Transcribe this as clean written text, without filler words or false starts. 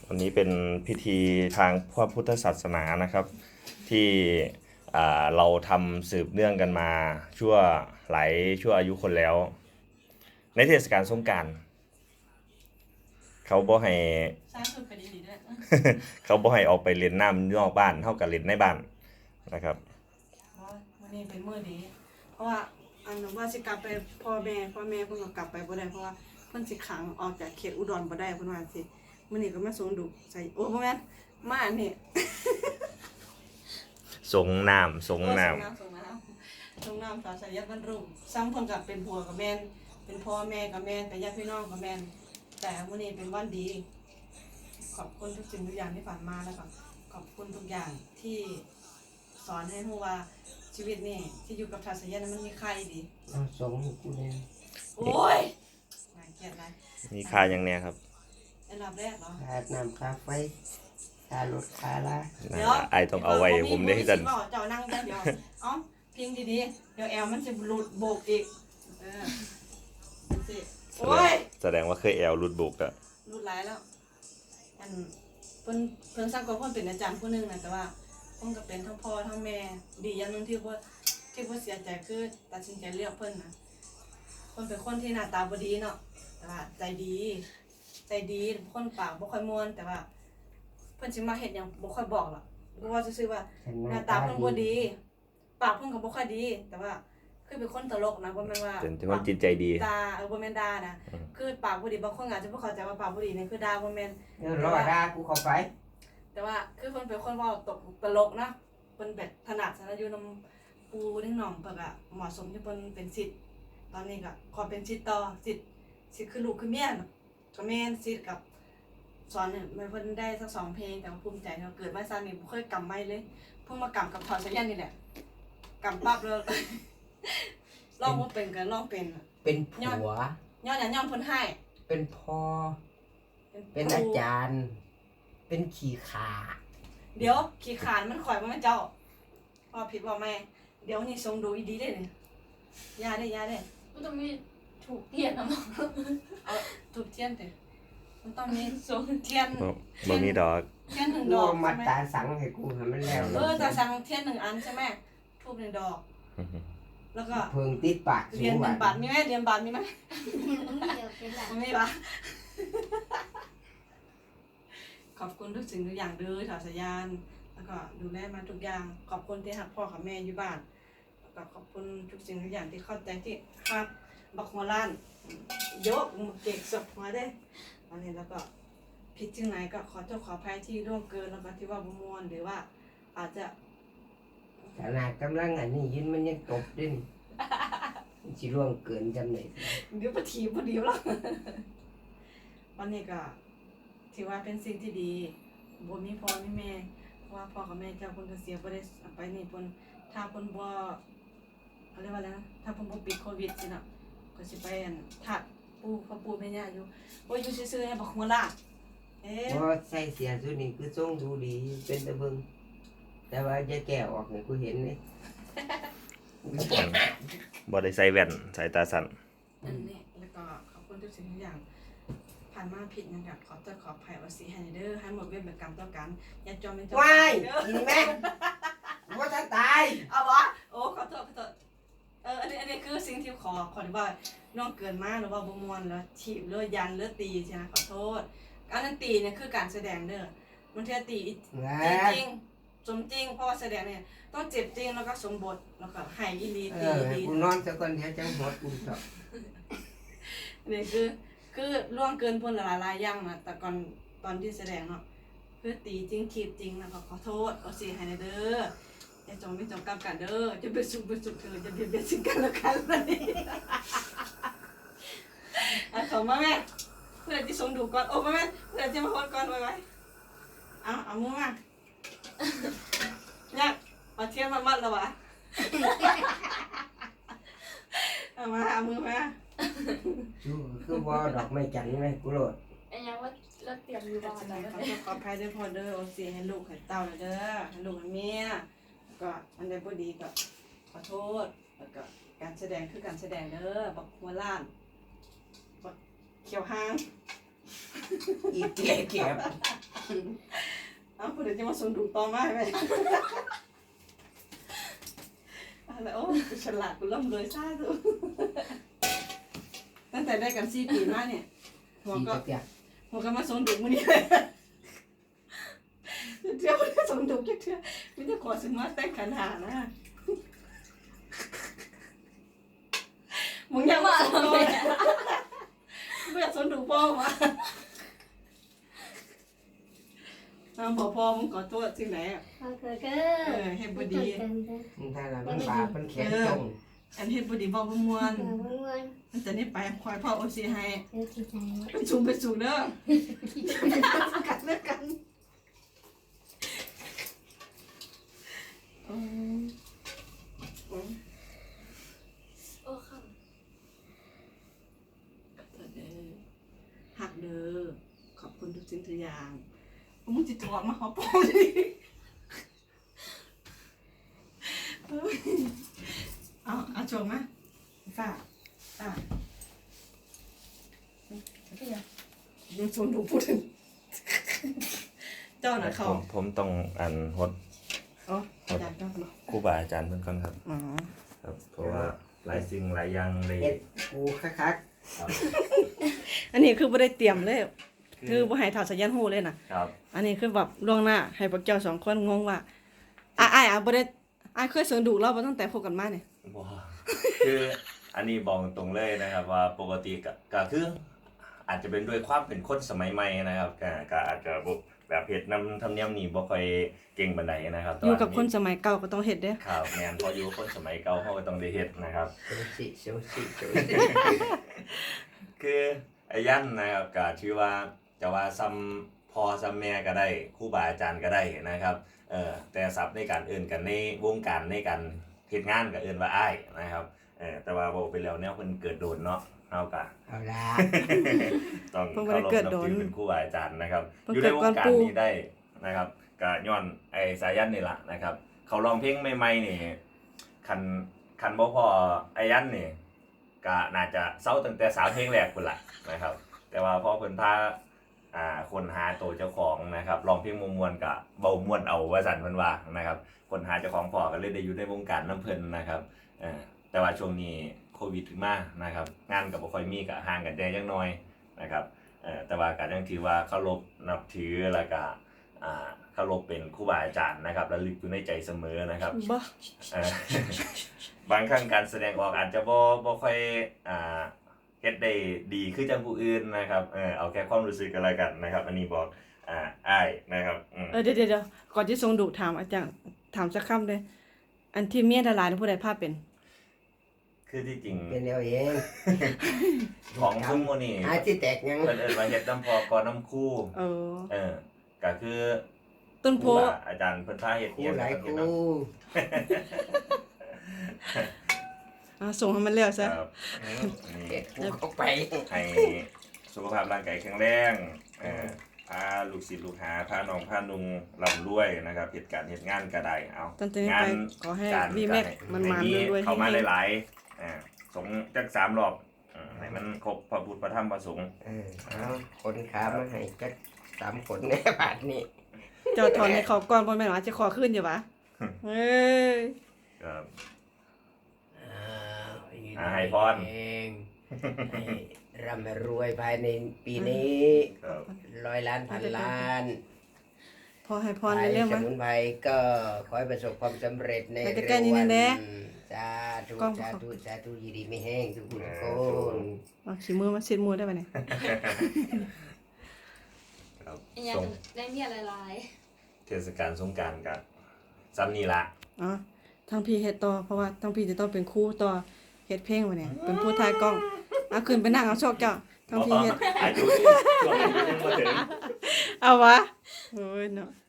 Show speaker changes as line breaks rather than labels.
วันนี้เป็นพิธีทางพระพุทธศาสนานะครับที่เราทำสืบเนื่องกันมาชั่วอายุคนแล้ว ในเทศกาลสงกรานต์เขาบ่ให้
สร้างคือไปดีๆด้วย
เขาบ่ให้ออกไปเล่นน้ำนอกบ้านเท่ากับเล่นในบ้านนะครับ
เพราะวันนี้เป็นมื้อดีเพราะว่าอันว่าสิกลับไปพ่อแม่เพิ่นก็กลับไปบ่ได้เพราะว่าเพิ่นสิขังออกจากเขตอุดรบ่ได้เพิ่นว่าสิมื้อนี้ก็มาส่งดุใส่โอ้บ่แม่นมาอันนี้
สงน้ำ
ส่งน้ำสาวชายยัดบรรลุซ้ำเพิ่นก็เป็นผัวกับแม่นเป็นพ่อแม่กับแม่นเป็นญาติพี่น้องกับแม่นแต่มื้อนี้เป็นวันดี ขอบคุณทุกสิ่งทุกอย่างที่ผ่านมาแล้วก็ขอบคุณทุกอย่างที่สอนให้รู้ว่าชีวิตนี่ที่อยู่กับทาสยะนั้นมันมีค่าดี
ส่งให้กูเนี่ย
โอ้ยน่าเกลียดอะไร
มีค่าอย่างเนี้ยครับ
อันดับแรกเหรอ
ค่าน้ำค่าไฟค่ารถค่าลา
ไอต้องเอาไว้ผมได้ที่จะ
เจ้านั่งเดี๋ยวเอ้าพิงดีๆเดี๋ยวแอลมันจะหลุดโบกอีกสิโอ้ย
แสดงว่าเคยแอลรุดบุกอะ
หลุดหลายแล้วอันเพิ่นสร้างกับเพิ่นเป็นอาจารย์ผู้นึงนะแต่ว่าเพิ่นก็เป็นทั้งพ่อทั้งแม่ดีอย่างนึงที่ว่าเสียใจคือตัดสินใจเลือกเพิ่นนะเพิ่นเป็นคนที่หน้าตาบ่ดีเนาะแต่ว่าใจดีคนปากบ่ค่อยม่วนแต่ว่าเพิ่นสิมาเฮ็ดหยังบ่ค่อยบอกหรอกเพราะว่าซื่อๆว่าหน้าตาเพิ่นบ่ดีปากเพิ่นก็บ่ค่อยดีแต่ว่าคือเป็นคนตลกนะบ่แม่นว่า
เป็นคนจิตใจดี
ด่าบ่แม่นด่านะคือปากบ่ดีบางคนอาจจะบ่เข้าใจว่าปากบ่ดีนี่คือด่าบ่แม่น
รอด่ากูเข้าไป
แต่ว่าคือเพิ่นเป็นคนเว้าตลกนะเพิ่นแบบถนัดสารอยู่นำปูนิ่งหนองเพิ่นก็เหมาะสมที่เพิ่นเป็นศิษย์ตอนนี้ก็ขอเป็นศิษย์ต่อศิษย์คือลูกคือเมียก็แม่นศิษย์กับสอนเนี่ยมันเพิ่นได้สัก2เพลงแต่ว่าภูมิใจเนาะเกิดมาซะนี่บ่เคยกำไม้เลยเพิ่งมากำกับถอดสยันนี่แหละกำปั๊บเลยลองบ่เป็นก็ลองเป็น
เป็นผัว
ย้อนหยังย้อนเพิ่นให้
เป็นพ่อเป็นอาจารย์ เป็นขี้ขา
เดี๋ยวขี้ขานมันข่อยบ่แม่นเจ้าว่าผิดว่าแม่เดี๋ยวนี่ทรงดูอีดีเด้นี่ยาได้
มันต้องมีถูกเทียนนะมั้ง
เอาทูบเทียนเด้มันต้องมีทรงเทียน
บ่มีดอก
เทียน1
กู
ดอก
มั
ใช่
ด
ไหม
ตาสังให้กูให้มันแล้ว
แต่สั่งเทียน1 อันใช่ไหมทูบ1 ดอก แล้วก็
เพิ่งติดปาก
เหรียญ1 บาทมีไหมเหรียญบาทมีไหม
เดี๋ยวเป็นหลัง
ไม่มีปะขอบคุณทุกสิ่งทุกอย่างเด้อถอดสายานแล้วก็ดูแลมาทุกอย่างขอบคุณที่หักพ่อกับแม่อยู่บ้านแล้วก็ขอบคุณทุกสิ่งทุกอย่างที่เข้าใจที่ครับบักหัวล้านยกมือเก่งสดหัวได้อันนี้แล้วก็ผิดที่ไหนก็ขอโทษขออภัยที่ร่วงเกินแล้วก็ที่ว่าบ่ม่วนหรือว่าอาจจะ
ขนาดกำลังอันนี้ยินมันยังตบดิ้นสิร่วงเกินจำไหน
เดี๋ยวปะทีพอดีแล้ววันนี้ก็ถือว่าเป็นสิ่งที่ดีบ่มีพ่อมีแม่เพราะว่าพ่อกับแม่เจ้าเพิ่นก็เสียบ่ได้ไปนี่เพิ่นถ้าเพิ่นบ่เขาเรียกว่าอะไรนะถ้าเพิ่นบ่ปิดโควิดสิเนาะก็สิไปอันทัดปู่แม่ย่าอยู่โอ้ยอยู่ซื่อๆให้บักหัวลากเอ๊ะ
เพราะใส่เสียสุดนี้คือทรงดูดีเป็นตะเบิงแต่ว่าจะแก้ออกให้กูเห็นเลย
บ่ได้ใส่แว่นสายตาสั้น
อันนี้แล้วก็ขอบคุณทุกสิ่งทุกอย่างผ่านมาผิดนะครับขอโทษขออภัยว่าสิให้เด้อให้หมดเวรเป็นกรรมต่อกันอย่าจอมเป็นเจ้า
ว้าย
เด้อ
กินแม่ว่าถ้าตาย
เอาวะโอ้ขอโทษอันนี้คือสิ่งที่ขอที่ว่าน้องเกินมากหรือว่าบ่ม่วนแล้วถีบหรือยันหรือตีใช่ไหมขอโทษการนั้นตีเนี่ยคือการแสดงเด้อมันเท่าตีจริงสมจริงเพราะว่าแสดงเนี่ยต้องเจ็บจริงแล้วก็สมบทแล้วก็ให้อีลีตีดี
กูนอนสักคนเดียวจังหดกูชอบ
นี่คือล่วงเกินพ้นหลายๆอย่างนะแต่ก่อนตอนที่แสดงเนาะคือตีจริงถีบจริงแล้วก็ขอโทษขอเสียให้เด้ออย่าจงไม่จงกรรมกันเด้อจะไปสุขเธอจะเบียดซึ่งกันและกันแบบนี้ขอมาแม่เพื่อนที่ส่งดูก่อนโอ้แม่เพื่อนที่มาโพสก่อนไว้เอามือมาเนี่ยเอาเทียนมามัดแล้ววะเอามือมา
คือว่าดอกไม้จันทร์ไหมกูโหลด
ไอ้ยังว่าเราเตรียมอยู่
ข
บ้า
อน
แล้ว
ขออภัยด้วยพ่อเด้อโอซีให้ลูกให้เต้าเด้อให้ลูกให้เมียก็อันใดบ่ดีก็ขอโทษแล้วก็การแสดงคือการแสดงเด้อบักหัวล้านบักเขียวหาง
อีเกียเก็บ
เอ้าคนเดี๋ยวจะมาส่งดูต่อมาให้ไหมอะไรโอ้กูฉลาดกูร่ำรวยซ่าสุดตั้งแต่ได้กัน4 ปีมาเนี่ยหัว
สี
ก็
จักอย่าง
หัวก็มาส่งดูมื้อนี้เลยเที่ยวไม่ได้ส่งดูจักเที่ยวไมแต่ได้ขอสิมาแต่งขันหานะมึงยังมาส่งดูไม่อยากส่งดูพ่อมาบอกพ่อมึงขอโทษสิ่งไหนอ่ะ
โอเคก็
เฮ็ดบ่ดี
มึงถ้าละมันบาปมันแข็งตรง
อันเฮ็ดบ่ดีบ่บ่ม่วน
ม้วน
มันจะนี่ไปคอยพ่อโอซีให้
เดี๋ยวที่ใจ
ไปสูงเด้อกัดเลิกกัน
โอ้ค่ะ
หักเด้อขอบคุณทุกสิ่งทุกอย่างมึงจิตถอดมาขอปอดิเอาชมมาฝ้ายังชมดูพูดถึงเจ้าน่ะเขา
ผมต้องอ่านฮด
อ๋ออาจารย์ก็เนาะ
ครูบาอาจารย์เพิ่นก่อนครับ
อ๋อ
ครับเพราะว่าหลายสิ่งหลายอย่างเลย
เฮ็ดกูคัก
ครับ
อันนี้คือบ่ได้เตรียมเลย คือบ่ให้ถอดสัญญาณหูเลยน่ะ
ครับ
อันนี้คือแบบล่วงหน้าให้พวกเจ้า2 คนงงว่าอ้ายบ่ได้อ้ายเคยเสิงดูเราบ่ตั้งแต่พบกันมาเนี่ย
บ่คืออันนี้บอกตรงเลยนะครับว่าปกติก็คืออาจจะเป็นด้วยความเป็นคนสมัยใหม่นะครับก็อาจจะบ่แบบเฮ็ดนำธรรมเนียมนี้บ่ค่อยเก่งปานใดนะครับแต่
อยู่
ว่า
กับคนสมัยเก่าก็ต้องเฮ็ดเด้อ
ครับแม่นพออยู่กับคนสมัยเก่าเขาก็ต้องได้เฮ็ดนะครับ
ๆเสียวสิ
คือไอ้ยันนะครับก็ชื่อว่าจะว่าซ้ำพ่อซ้ำแม่ก็ได้ครูบาอาจารย์ก็ได้นะครับแต่ศัพท์ในการเอื่นกันในวงการในการเฮ็ดงานก็เอื่นว่าอ้ายนะครับแต่ว่าบอกไปแล้วแนวเพิ่นเกิดโดนเนาะเฮาก็
เอาละ
ต้อง
เพิ่นบ่
เคา
ได้
รพ
เกิด
นับ
โดน
ถือเป็นครูบาอาจารย์นะครับ
เพิ่น
อยู่
เกิ
ใน
ด
ว
ก่อง น
การ
ปู่
นี้ได้นะครับก็ย้อนไอ้สายันนี่ล่ะนะครับ เขาร้องเพลงใหม่ๆนี่คันบ่พอไอ้ยันนี่ก็น่าจะเซาตั้งแต่3เพลงแรกพุ่นล่ะนะครับ แต่ว่าพอเพิ่นพาคนหาตัวเจ้าของนะครับร้องเพลงม่วนๆก็เบาม่วนเอาว่าซั่นเพิ่นว่านะครับคนหาเจ้าของพอก็เลยได้อยู่ในวงการน้ำเพิ่นนะครับแต่ว่าช่วงนี้โควิดถึงมานะครับงานก็บ่ค่อยมีก็ห่างกันได้จังน้อยนะครับแต่ว่าก็ยังถือว่าเคารพนับถือแล้วก็เคารพเป็นครูบาอาจารย์นะครับระลึกอยู่ในใจเสมอนะครับ
บ่
เอ่อบางครั้งการแสดงออกอาจจะบ่ค่อยเฮ็ดได้ดีคือจังผู้อื่นนะครับเอาแค่ความรู้สึกกันแล้วกันนะครับ อันนี้บอกอ้ายนะครับ
เดี๋ยวก่อนที่ทรงดุถามอาจารย์ถามสักคำเลยอันที่เมียดารานี่ผู้ใดภาพเป็น
คือที่จริง
เป็นเอาเอง
ของซุ่มโมนี่
หาที่แตกยัง
เพิ่นเอิ้นว่าเฮ็ดน้ำพอก่อนน้ำคู่ ก็คือ
ต้นโพ
ครูบาอาจารย์เพิ่นพาเฮ็ด
กู
เฮ็ด
หลาย
เฮ็ด
กู
เนาะ
ส่งให้มันแล้วซะ
ครับนี่
เฮ็ดกูเข้าไป
ให้สุขภาพร่างกายแข็งแรงพาลูกศิษย์ลูกหาพาน้องพานุงร่ำรวยนะครับเหตุการณ์เหตุงานก็ได้เอา
ตั้งแต่นี้
งา
ไป
น
ขอให้
การ
วีแม็กมันมาด้วยๆ
เข้ามา
ให้
หลายๆสงจัก3รอบให้มันครบพระพุทธพระธรรมพระสงฆ์
เอาคนขามาให้จัก3คนในบาทนี้
เจ้าถอนให้เขาก่อนบ่แม่นว่าจะขอขึ้นอยู่วะเอ้ย
ครับ
ให้พรให้ร่ำรวยภายในปีนี้
ครับ
100 ล้านพันล้าน
พอให้พรเรื่อง
ส
มา
มุนไพรก็ขอให้ประสบความสำเร็จใน
ไป
เร็
ใกล้ว ๆนี่
วั
นะ
น
แน่
สาธุ
กล้อง
สาธุสาธุยินดีไม่แห้งทุกคนทุกคน
เอาขี้มือมาซิดมือได้ป่ะเนี่ย
ครับ
ยัง
ส่ง
ได้เมียหลาย
เทศกาลสงกรานต์กับซ้ำนี่ละ
อ๋อทั้งพี่เฮ็ดต่อเพราะว่าทั้งพี่จะต้องเป็นครูต่อเฮ็ดเพลงวะเนี่ยเป็นผู้ถ่ายกล้องเอาขึ้นไปนั่งเอาชอกเจ้าทั้งพี่เฮ็ด
อายุช่วงอายุยังบ่ถึง
เอาวะโอ้ยเนาะ